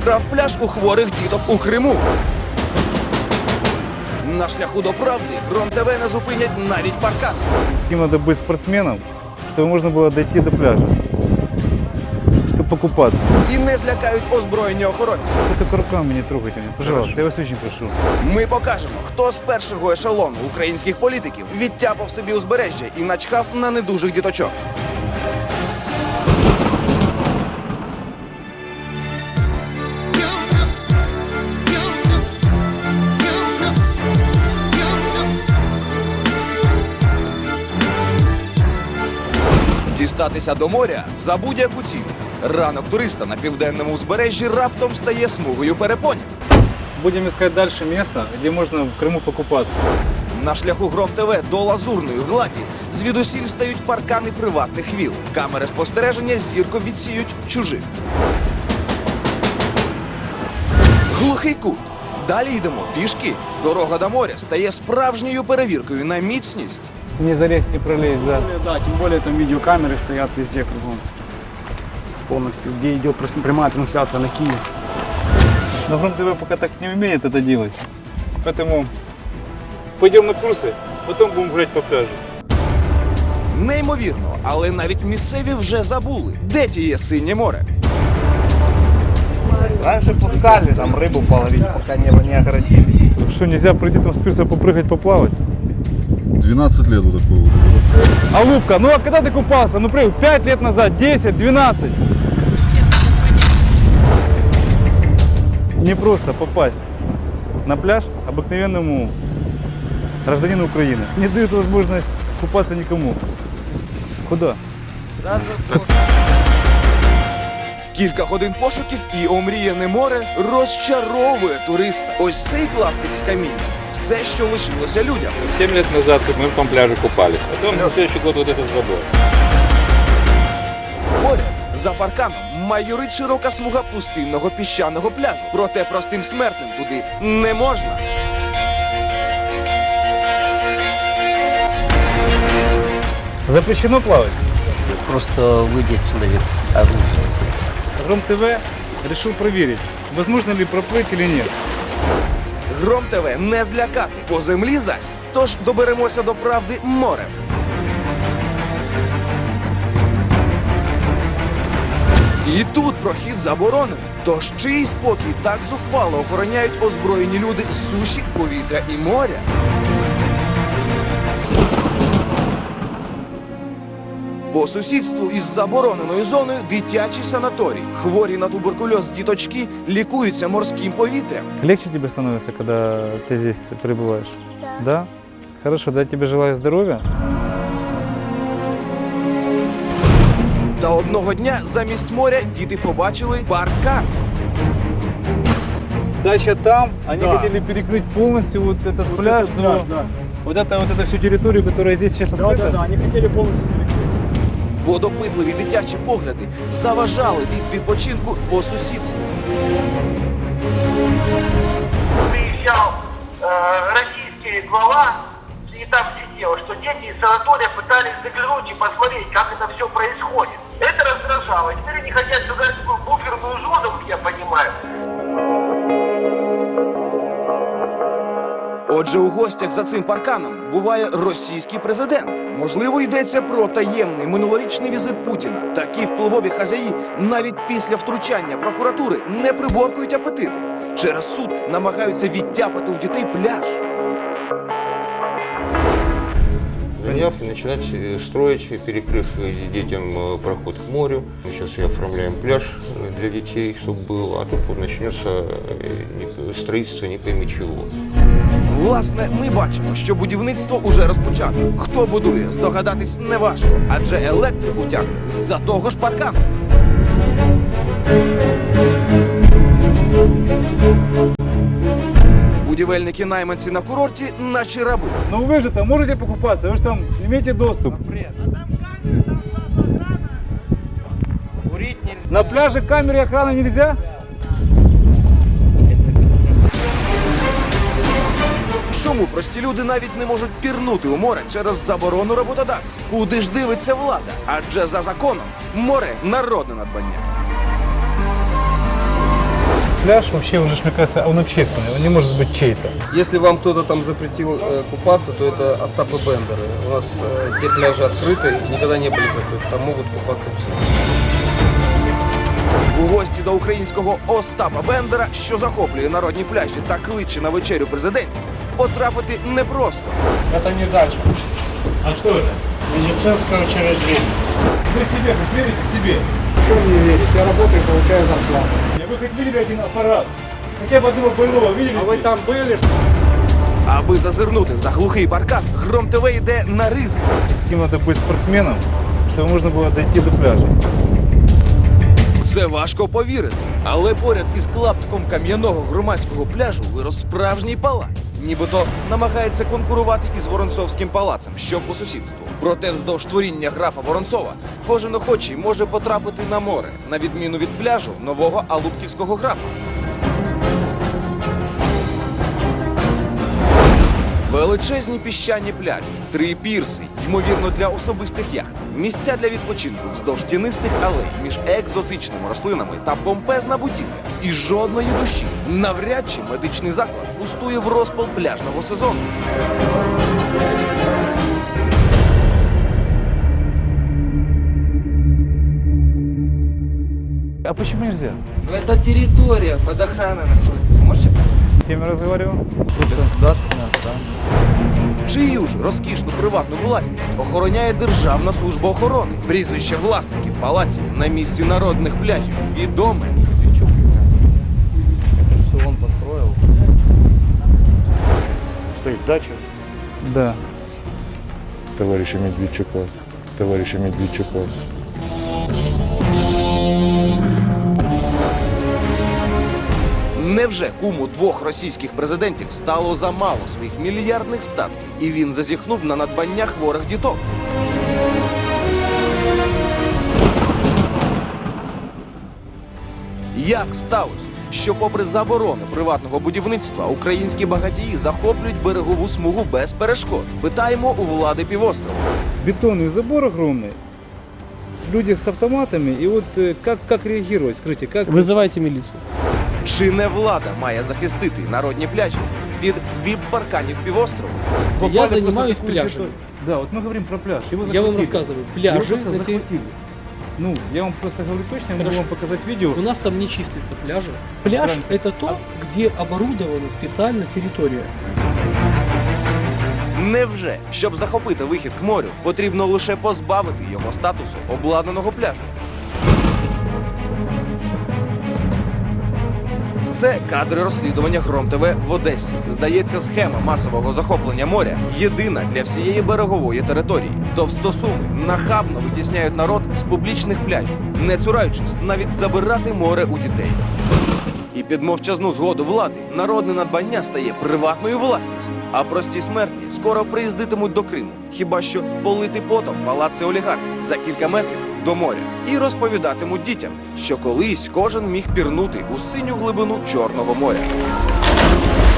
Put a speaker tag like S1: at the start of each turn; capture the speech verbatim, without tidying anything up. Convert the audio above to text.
S1: вкрав пляж у хворих діток у Криму. На шляху до правди Гром ТВ не зупинять навіть паркан.
S2: Каким надо быть спортсменом, чтобы можно было дойти до пляжа, чтобы покупаться.
S1: І не злякають озброєні охоронці.
S2: Вы только руками не трогайте меня, пожалуйста, я вас очень прошу.
S1: Ми покажемо, хто з першого ешелону українських політиків відтяпав собі узбережжя і начхав на недужих діточок. Дістатися до моря за будь-яку ціну. Ранок туриста на південному узбережжі раптом стає смугою перепонів.
S2: Будем искать дальше место, где можно в Крыму покупаться.
S1: На шляху Гром ТВ до Лазурної гладі звідусіль стають паркани приватних віл. Камери спостереження зірко відсіють чужих. Глухий кут. Далі йдемо пішки. Дорога до моря стає справжньою перевіркою на міцність.
S2: Не залезть, не пролезть, да.
S3: Да, тем более там видеокамеры стоят везде кругом. Полностью, где идет просто прямая трансляция на Киев.
S2: Но Гром ТВ пока так не умеет это делать. Поэтому пойдем на курсы, потом будем гулять по пляжу.
S1: Неймовірно, але навіть місцеві вже забули, де тіє синє море.
S4: Раньше пускали там рыбу половить, пока не, не оградили.
S2: Что, нельзя пройти там с пирса попрыгать, поплавать?
S5: двенадцать лет вот такого.
S2: А Лубка, ну а когда ты купался? Ну прыгай, пять лет назад, десять, двенадцать. Не просто попасть на пляж обыкновенному гражданину Украины. Не дают возможность купаться никому. Куда?
S1: Кілька годин пошуків і омріяне море розчаровує туриста. Ось цей клаптик з каміння – все, що лишилося людям.
S6: Семь лет назад мы в том пляже купались. Потом на следующий год вот этот забор.
S1: Поряд, за парканом, майорить широка смуга пустинного піщаного пляжу. Проте простим смертним туди не можна.
S2: Запрещено плавать?
S4: Просто выйдет человек с оружием.
S2: Гром ТВ решил проверить, возможно ли проплыть или нет.
S1: Гром ТВ не злякати, по землі зась, тож доберемося до правди морем. І тут прохід заборонений. Тож чий спокій так зухвало охороняють озброєні люди з суші, повітря і моря? По сусідству із забороненою зоною дитячий санаторій. Хворі на туберкульоз діточки лікуються морським повітрям.
S2: Легче тебе становится, когда ты здесь пребываешь? Да. Да? Хорошо, да, я тебе желаю здоровья.
S1: Та одного дня замість моря діти побачили паркан.
S2: Дача там, они
S3: Да.
S2: хотели перекрыть полностью вот этот пляж,
S3: этот
S2: но
S3: пляж, да.
S2: вот, это, вот эту всю территорию, которая здесь сейчас
S3: Да,
S2: открыта.
S3: да, да, они хотели полностью перекрыть.
S1: Бо допитливі дитячі погляди заважали від відпочинку по сусідству.
S7: Приезжал э, российский глава и там сидел, что дети из санатория пытались заглянуть и посмотреть, как это все происходит. Это раздражало. И теперь они хотят создать такую буферную зону, как я понимаю.
S1: Отже, у гостях за цим парканом буває російський президент. Можливо, йдеться про таємний минулорічний візит Путіна. Такі впливові хазяї навіть після втручання прокуратури не приборкують апетити. Через суд намагаються відтяпати у дітей пляж.
S8: Заняв и начинать э, строить, перекрыв э, детям э, проход к морю. Мы сейчас и оформляем пляж э, для детей, чтобы был, а тут вот начнется э, не- строительство не пойми чего.
S1: Власне, ми бачимо, що будівництво уже розпочато. Хто будує, здогадатись неважко, адже електрику тягне з-за того ж паркану. Будівельники-найманці на курорті наче раби.
S2: Но вы же там можете покупаться, вы же там имеете доступ. На пляже камеры и охраны нельзя?
S1: Чому прості люди навіть не можуть пірнути у море через заборону роботодавців? Куди ж дивиться влада? Адже за законом море – народне надбання.
S2: пляж вообще уже, мне кажется, он общественный, он не может быть чей-то.
S9: Если вам кто-то там запретил э, купаться, то это Остапа Бендеры. У нас э, те пляжи открыты и никогда не были закрыты. Там могут купаться все.
S1: В гості до українського Остапа Бендера, що захоплює народні пляжі та кличе на вечерю президентів, потрапити непросто.
S2: Это не дача. А что это?
S3: Медицинское учреждение.
S2: Вы себе хоть верите себе?
S3: Что мне верить? Я работаю и получаю зарплату.
S2: Вы хоть видели один аппарат? Хотя бы одного больного видели?
S3: А вы там были?
S1: Аби зазирнути за глухий паркан, Гром ТВ йде на ризик.
S2: Каким надо быть спортсменом, чтобы можно было дойти до пляжа?
S1: Це важко повірити, але поряд із клаптиком кам'яного громадського пляжу вирос справжній палац. Нібито намагається конкурувати із Воронцовським палацем, що по сусідству. Проте вздовж творіння графа Воронцова кожен охочий може потрапити на море, на відміну від пляжу нового Алубківського графа. Величезні піщані пляжі, три пірси, ймовірно для особистих яхт, місця для відпочинку вздовж тінистих алей між екзотичними рослинами та помпезна будівля. І жодної душі. Навряд чи медичний заклад пустує в розпал пляжного сезону.
S2: А почему нельзя?
S10: Ну, это территория под охраной находится. Вы можете понять?
S2: С кем я разговаривал?
S10: Государственная охрана.
S1: Чию ж розкішну приватну власність охороняє Державна служба охорони. Прізвище власників палаців на місці народних пляжів відоме.
S10: Все он построил.
S3: Стоит дача.
S2: Да.
S5: Товарища Медведчука. Товарища Медведчука.
S1: Невже куму двох російських президентів стало замало своїх мільярдних статків, і він зазіхнув на надбання хворих діток? Як сталося, що попри заборони приватного будівництва українські багатії захоплюють берегову смугу без перешкод? Питаємо у влади півострова.
S2: Бетонный забор огромный, люди с автоматами, и вот э, как, как реагировать, скажите, как...
S10: Вызывайте милицию.
S1: Чи не влада має захистити народні пляжі від віп-парканів півострова?
S2: Попали
S10: Я
S2: просто
S10: занимаюсь
S2: в такую
S10: пляжами.
S2: ситуацию. Да, вот мы говорим про пляж, его
S10: Я вам
S2: захватили.
S10: рассказываю.
S2: Его
S10: Пляжи
S2: просто
S10: на те-
S2: захватили. Ну, я вам просто говорю точно, я могу
S10: Хорошо.
S2: вам показать видео.
S10: У нас там не числятся пляжи. Пляж
S2: Разница.
S10: это то, где оборудована специально территория.
S1: Невже, щоб захопити вихід к морю, потрібно лише позбавити його статусу обладнаного пляжу? Це кадри розслідування Гром ТВ в Одесі. Здається, схема масового захоплення моря єдина для всієї берегової території. Товстосуми нахабно витісняють народ з публічних пляжів, не цураючись навіть забирати море у дітей. І під мовчазну згоду влади народне надбання стає приватною власністю, а прості смертні скоро приїздитимуть до Криму, хіба що полити потом палаци олігархів за кілька метрів до моря, і розповідатимуть дітям, що колись кожен міг пірнути у синю глибину Чорного моря.